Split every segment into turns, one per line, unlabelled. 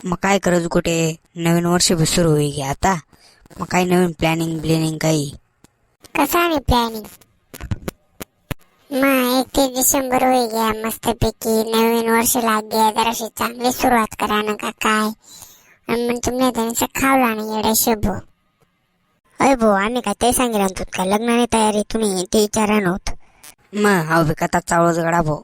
मग काय करायचं कुठे, नवीन वर्ष बी सुरू होईल आता. मग काही नवीन प्लॅनिंग काही.
कसं आहे प्लॅनिंग? मग 31 डिसेंबर होई गया, मस्तपैकी नवीन वर्ष लाग गया, जराशी चांगली सुरुवात करा ना का काय. आणि मग तुमने त्यांचं खावला नाही एवढ्या शेबो.
अय भाऊ, आम्ही काय ते सांगितलं तू काय लग्नाने तयारी तुम्ही ते विचारा नव्हतं.
मग हा बी कथा चावळच गडा भाऊ.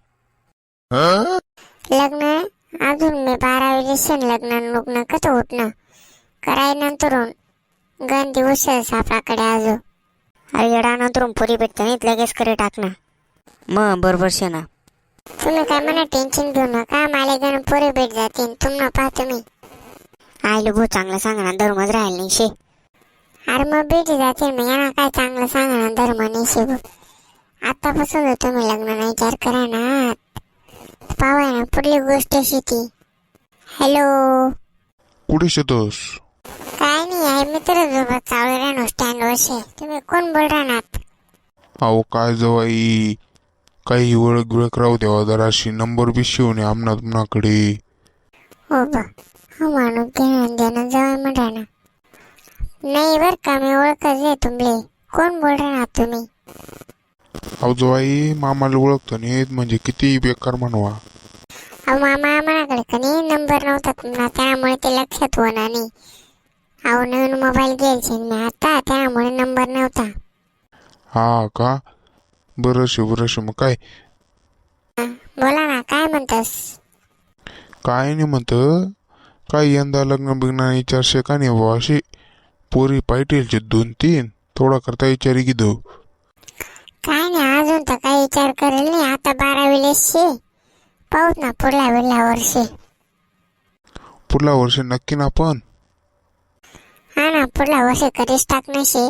लग्न अजून मी 12 दिवसांनी लग्न कसं उठणं कराय नंतरून गण दिवस आपल्याकडे अजून.
अरे येडा नंतर पुरी भेटते नाही लगेच करे टाकणं.
मग बरोबर शे ना.
तुम्ही काय म्हणा टेन्शन घेऊ नका, मला गण पुरे भेट जातील तुम्हाला पहा तुम्ही.
आयलो भाऊ चांगलं सांगा ना, धर्मच राहील नाही शे.
अरे मग भेटी जातील मग यांना काय चांगलं सांगा ना धर्म नाही शिव. आतापासून तुम्ही लग्नाचा विचार करा ना, पावा ना पुढली गोष्ट शेती. हॅलो,
कुठे शेतस?
काय नाही आहे मित्र चावले राहणो स्टँड वर्षे. तुम्ही कोण बोल राहणार?
अहो काय जवाई, काही ओळख बिळख राहू द्यावा, जराशी नंबर बी शिवून आमना तुमनाकडे.
हो बा, हो माणूस घेणं देणं जवळ म्हणा ना. नाही बर का, मी ओळखच आहे तुमले. कोण बोल राहणार तुम्ही?
अहो जवाई, मामाला ओळखतो नाही म्हणजे किती बेकार म्हणवा.
अहो मामा मनाकडे का नाही नंबर नव्हता तुमचा, त्यामुळे ते लक्षात होणार नाही. अहो नवीन मोबाईल घ्यायचे मी आता, त्यामुळे नंबर नव्हता.
हा का, बरं मग काय.
बोला ना, काय म्हणतस?
काय नाही म्हणत, काय यंदा लग्न बिग्न विचारशे का नाही बुवा, अशी पोरी पाहिजे 2-3 थोडा करता विचारी की दो.
काय नाही अजून तर काही विचार करेल नाही, आता 12वी शे. पाहूत ना पुढल्या वर्षी.
पुढल्या वर्षी नक्की ना. पण
हा ना, पुढल्या वर्षी कधीच टाकणं शे.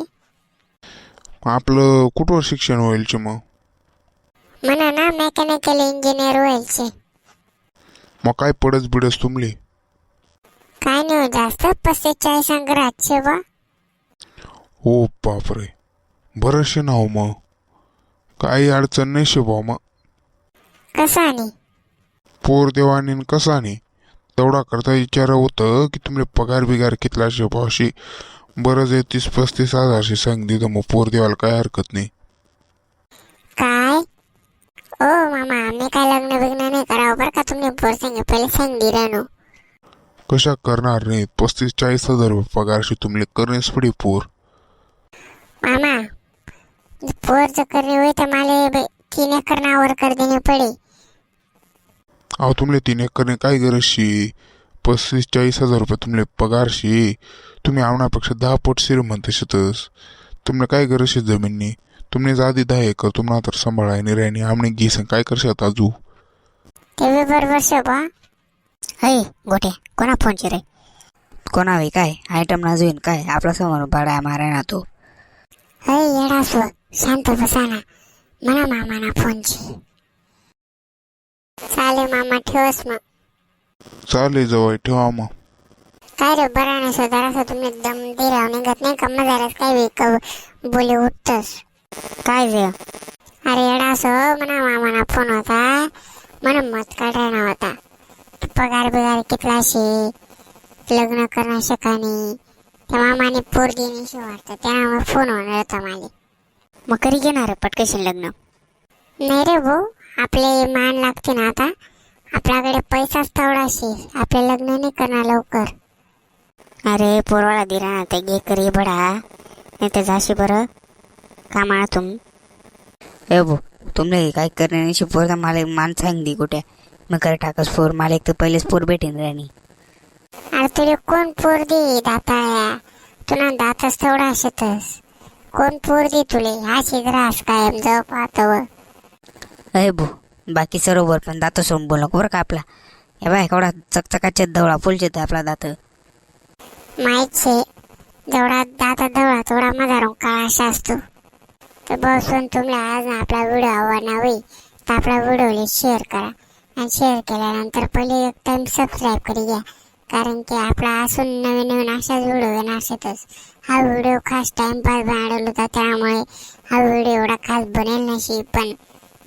आपलं कुठवर शिक्षण होईल मग?
म्हणा ना मेकॅनिकल इंजिनियर व्हायचे.
मग काय पडस बिडस तुमली?
काय नाही हो जास्त, 45 अंक राहते बा.
हो बापरे, बरंचशे ना हो. मग काही अडचण नाही शे भाऊ. मग
कसं आणि
पोर देवानी कसा नाही तेवढा करता विचार होतं की तुमले पगार बिगार कितला शे भाऊ. अशी बरंच 30-35 हजारशी सांग दिलं, मग पोर देवाला काय हरकत नाही.
काय ओ मामा, आम्ही काय लग्न बिग्न नाही करावं बरं का. तुम्ही पोर सांगे पहिले सांगी राहणो.
कशा करणार नाही, 35-40 हजार रुपये पगारशी तुमले करणेच पडे पोर.
मामा पोरचं करणे होय तर मला 3 एकर नावावर कर देणे पडे.
अहो तुमले 3 एकर काय गरज शी, 35-40 हजार रुपये तुमले पगारशी. तुम्ही आवण्यापेक्षा 10 पट श्रीमंत शेतस. तुमने काय गरज शे जमीननी. तुमने आधी 10 एकर तुम्हाला तर सांभाळाय नाही राहिनी, आमने घे सांग काय करशात आजू.
ते बरोबर शे बा.
अय गोटे, कोणा फोनचे रे?
कोणा हवी काय आयटम ना जुईन काय, आपला समोर बाळा माराय ना तो.
हय येडा सो, शांत बसा ना. म्हणा मामाना फोनची. चालेल मामा, ठेवस मग.
चालेल जवळ ठेवा मग.
काय रे बरा नाही जरासं तुम्ही दम दे राव निघत नाही का, मग जरास काय बोले उठतस.
काय जे
अरे येडा सो, म्हणा मामाना फोन होता, म्हणा मत काढायला होता. पगार बिगार कितला शे, लग्न करणं शकानी, त्या मामाने पोर देण्याशी वाटतं, त्यामुळे फोन होणार होता मला.
मग कधी घेणार पटकेशन लग्न?
नाही रे भाऊ, आपले मान लागते ना आता. आपल्याकडे पैसाच तेवढा शे, आपले लग्न नाही करणार लवकर.
अरे पोरवाळा दिला ना ते घे करी बडा, नाही तर जाशी बरं कामाळा तुम.
ए भाऊ, तुमले काय करणे नाही पोर मला मान सांग दी कुठे. मग करे टाकस पोर, मला एक तर पहिलेच पोर भेटेन राणी.
अरे तुला कोण पोर दे दाताळ्या, तुला दातच तेवढा शेतस. कोण पोर दे तुले, हा शिग्रास कायम जाऊ पाहतो.
अय भाऊ, बाकी सरोवर पण दात सोडून बोल नको बरं का आपला. हे बाय केवढा चकचकाचे दवळा फुलचे आपला दात.
माहित शे, जेवढा दाता दवळा थोडा माझा रंग काळा असा असतो. तर बसून तुम्हाला आज आपला व्हिडिओ आवडला होई तर आपला व्हिडिओला शेअर करा. आणि शेअर केल्यानंतर पहिले एक टाइम सबस्क्राईब करी घ्या, कारण की आपला असून नवीन अशाच व्हिडिओ येणार असतच. हा व्हिडिओ खास टाइमपास बनवला होता, त्यामुळे हा व्हिडिओ एवढा खास बनेल नशी, पण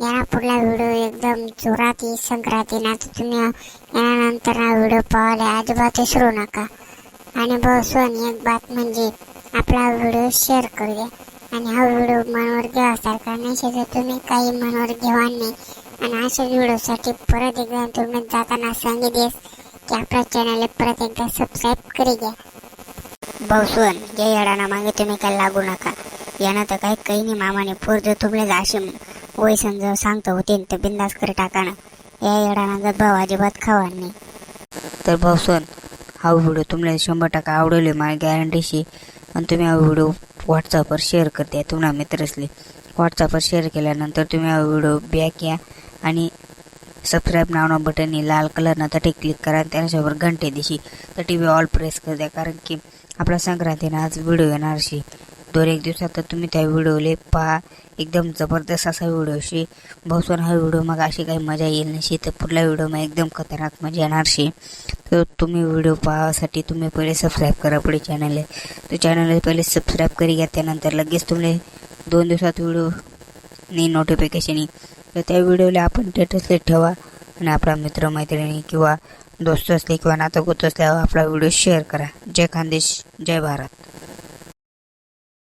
याला पुढला व्हिडिओ एकदम जोरात येईल संक्रांतीना, तर तुम्ही यानंतर हा व्हिडिओ पाहायला अजिबात विसरू नका. आणि बसून एक बात म्हणजे आपला व्हिडिओ शेअर करू द्या. आणि हा व्हिडिओ मनावर घ्यासारखा नसेल तर तुम्ही काही मनावर घेवा नाही. आणि अशा व्हिडिओसाठी परत एकदा तुम्ही जाताना सांगितले की आपल्या चॅनलला परत एकदा सबस्क्राईब करी घ्या.
भाऊसोन या येडाना मागे तुम्ही काय लागू नका. यानं तर काही नाही मामाने पोर जर तुमले असे वय समजावून सांगतो होते तर बिंदास करे टाका ना. या येडाना जर भाऊ अजिबात खावा नाही.
तर भाऊसन हा व्हिडिओ तुम्हाला 100% आवडेल मला गॅरंटीशी. आणि तुम्ही हा व्हिडिओ व्हॉट्सअपवर शेअर करते तुम्हाला मित्रसले. व्हॉट्सअपवर शेअर केल्यानंतर तुम्ही हा व्हिडिओ बॅक या आणि सबस्क्राईब नावना बटन लाल कलरनं तटे क्लिक करा. त्याच्यावर घंटे दिशी तर TV ऑल प्रेस कर द्या. कारण की आपला संक्रांतीनं आज व्हिडिओ येणार शे 2-1 दिवसात. तर तुम्ही त्या व्हिडिओले पहा. एकदम जबरदस्त असा व्हिडिओ शे. भाऊसन हा व्हिडिओ मग अशी काही मजा येईल नशी. तर पुढल्या व्हिडिओ मग एकदम खतरनाक मजा येणार शे. तर तुम्ही व्हिडिओ पाहासाठी तुम्ही पहिले सबस्क्राईब करा पुढे चॅनलला. तर चॅनलला पहिले सबस्क्राईब करी घ्या. त्यानंतर लगेच तुम्ही 2 दिवसात व्हिडिओ नी नोटिफिकेशन येईल. तर त्या व्हिडिओला आपण स्टेटसला ठेवा. आणि आपला मित्रमैत्रिणी किंवा दोस्त असले किंवा नातं गोत असल्यावर आपला व्हिडिओ शेअर करा. जय खानदेश, जय भारत.